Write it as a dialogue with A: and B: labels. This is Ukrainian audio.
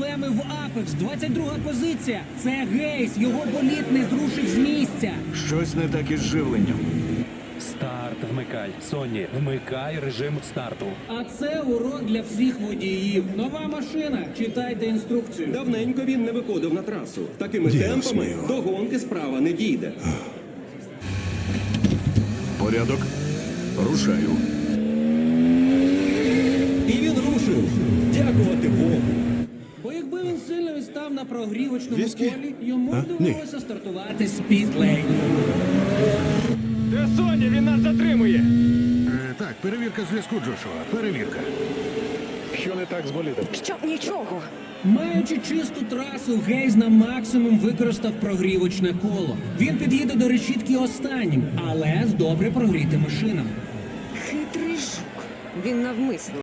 A: проблеми в Апекс. 22-га позиція. Це Гейс. Його боліт не зрушив з місця.
B: Щось не так із живленням.
C: Старт вмикай. Сонні, вмикай режим старту.
A: А це урок для всіх водіїв. Нова машина. Читайте інструкцію.
D: Давненько він не виходив на трасу. Такими
B: Діос
D: темпами
B: мio.
D: до гонки справа не дійде.
B: Порядок. Рушаю.
D: І він рушив. Дякувати Богу.
A: Бо якби він сильно відстав на прогрівочному
B: Віскі?
A: полі, йому
B: А?
A: довелося стартувати з піт-лейн.
E: Де Соня? Він нас затримує.
F: Так, перевірка зв'язку, Джошуа. Перевірка.
E: Що не так з болідом?
G: Щоб нічого.
A: Маючи чисту трасу, Гейс на максимум використав прогрівочне коло. Він під'їде до решітки останнім, але з добре прогрітими шинами.
G: Хитрий жук. Він навмисно